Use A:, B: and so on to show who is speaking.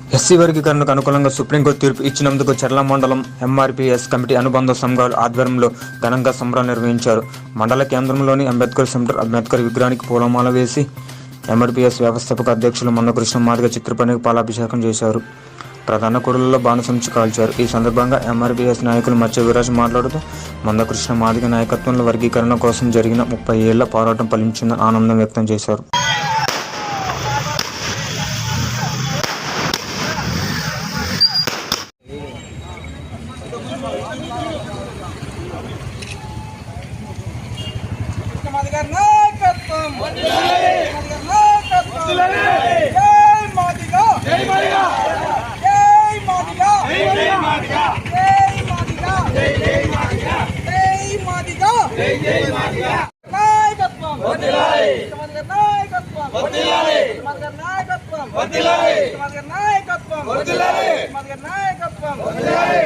A: SC వర్గీకరణకు అనుకూలంగా supreme court తీర్పు ఇచ్చినందుకు చర్ల మండలం ఎంఆర్పీఎస్ కమిటీ అనుబంధ సంఘాల ఆధ్వర్యంలో ఘనంగా సంబరాలు నిర్వహించారు. మండల కేంద్రంలోని అంబేద్కర్ సెంటర్ అంబేద్కర్ విగ్రహానికి పూలమాల వేసి ఎంఆర్పీఎస్ వ్యవస్థాపక అధ్యక్షులు మందకృష్ణ మాదిగ చిత్రపటానికి పాలాభిషేకం చేశారు. ప్రధాన కూడలిలో బాణసంచు కాల్చారు. ఈ సందర్భంగా ఎంఆర్పీఎస్ నాయకులు మత్స్య విరాజ్ మాట్లాడుతూ మందకృష్ణ మాదిగ నాయకత్వంలో వర్గీకరణ కోసం జరిగిన 30 ఏళ్ల పోరాటం ఫలించిందని ఆనందం వ్యక్తం చేశారు.
B: నాయకత్వం